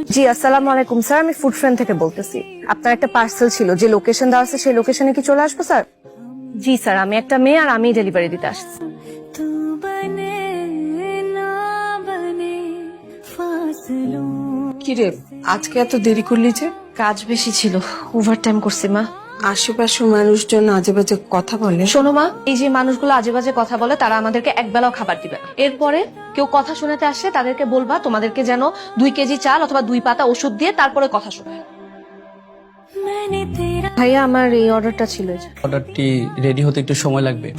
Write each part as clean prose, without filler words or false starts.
জি আসসালামু আলাইকুম স্যার, আমি ফুড ফ্রেন্ড থেকে বলতেছি। আপনার একটা পার্সেল ছিল, যে লোকেশন দেওয়া আছে সেই লোকেশনে কি চলে আসবো স্যার? জি স্যার, আমি একটা মেয়ে আর আমি ডেলিভারি দিতে আসছি। কি রে, আজকে এত দেরি করলি যে? কাজ বেশি ছিল, ওভারটাইম করছি মা। আশেপাশে মানুষজন আজে বাজে কথা বলে। শোনো মা, এই যে মানুষগুলো আজে বাজে কথা বলে তারা আমাদেরকে একবেলাও খাবার দিবে না। এরপরে কেউ কথা শোনাতে আসলে তাদেরকে বলবা তোমাদেরকে যেন 2 কেজি চাল অথবা 2 পাতা ওষুধ দিয়ে তারপরে কথা শোনায়। ভাইয়া আমার এই অর্ডারটা ছিল। অর্ডারটি রেডি হতে একটু সময় লাগবে।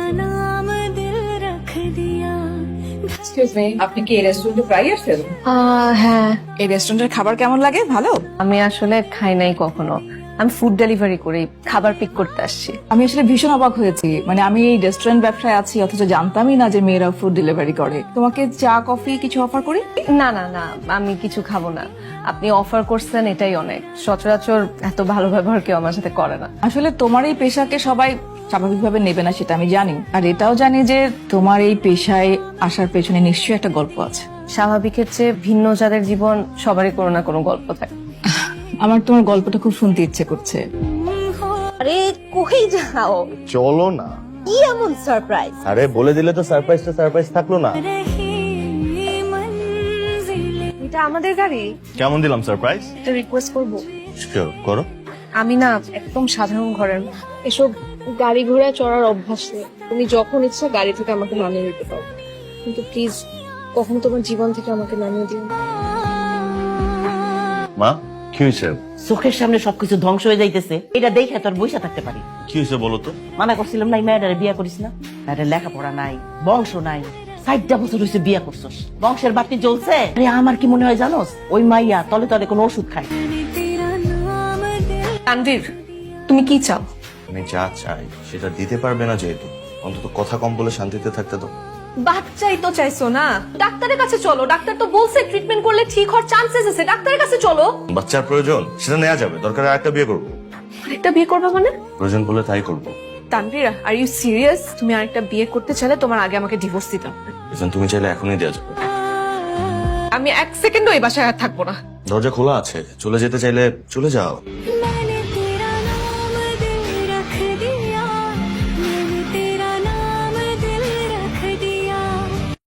এক্সকিউজ মি, আপনি কি এই রেস্টুরেন্টে প্রায় আসেন? হ্যাঁ, এই রেস্টুরেন্টের খাবার কেমন লাগে? ভালো? আমি আসলে খাই নাই কখনো, আমি ফুড ডেলিভারি করি, খাবার পিক করতে আসছি। আমি আসলে ভীষণ অবাক হয়েছি, মানে আমি এই রেস্টুরেন্ট ব্যবসায় আছি অথচ জানতামই না যে মেয়েরা ফুড ডেলিভারি করে। তোমাকে চা কফি কিছু অফার করি? না না না, আমি কিছু খাবো না। আপনি অফার করছেন এটাই অনেক। সচরাচর এত ভালো ব্যবহার কেউ আমার সাথে করে না। আসলে তোমার এই পেশাকে সবাই স্বাভাবিকভাবে নেবে না, সেটা আমি জানি। আর এটাও জানি যে তোমার এই পেশায় আসার পেছনে নিশ্চয়ই একটা গল্প আছে। স্বাভাবিকের চেয়ে ভিন্ন যাদের জীবন, সবারই কোনো না কোনো গল্প থাকে। আমার তোমার গল্পটা খুব শুনতে ইচ্ছে করছে। আরে কই যাও? চলো না। কি এমন সারপ্রাইজ? আরে বলে দিলে তো সারপ্রাইজটা সারপ্রাইজ থাকলো না। এটা আমাদের গাড়ি। কেমন দিলাম সারপ্রাইজ? একটা রিকোয়েস্ট করবো। শিওর করো। আমি না একদম সাধারণ ঘরের, এসব গাড়ি ঘোড়ায় চড়ার অভ্যাস নেই। তুমি যখন ইচ্ছা গাড়ি থেকে আমাকে নামিয়ে দিতে পারো, কিন্তু প্লিজ কখনো তোমার জীবন থেকে আমাকে নামিয়ে দিও না। মা কি হয়েছে? চোখের সামনে সবকিছু ধ্বংস হয়ে যাইতেছে, এটা দেখে তোর বইসা থাকতে পারি? কি হয়েছে বলো তো? মানা করছিলাম না এই মেয়েটারে বিয়া করিস না, মেয়েটার লেখাপড়া নাই, বংশ নাই, 60টা বছর হয়েছে বিয়া করছস, বংশের বাতি জ্বলছে। আরে আমার কি মনে হয় জানোস, ওই মাইয়া তলে তলে কোনো ওষুধ খায়। তানভীর, তুমি কি চাও? আমি যা চাই সেটা দিতে পারবে না যেহেতু, অন্তত কথা কম বলে শান্তিতে থাকতে দাও। বাচ্চাই তো চাইছো না, ডাক্তারের কাছে চলো। ডাক্তার তো বলছে ট্রিটমেন্ট করলে ঠিক হওয়ার চান্সেস আছে, ডাক্তারের কাছে চলো। বাচ্চার প্রয়োজন সেটা নেওয়া যাবে, দরকার আরেকটা বিয়ে করবো। আরেকটা বিয়ে করবে মানে? প্রয়োজন বলে তাই করবো। তানভীর, আর ইউ সিরিয়াস? তুমি আরেকটা বিয়ে করতে চাইলে তোমার আগে আমাকে ডিভোর্স দিতে হবে। এখন তুমি চাইলে এখনই দেওয়া যাবে। আমি 1 সেকেন্ডও এই বাসায় আর থাকবো না। দরজা খোলা আছে, চলে যেতে চাইলে চলে যাও।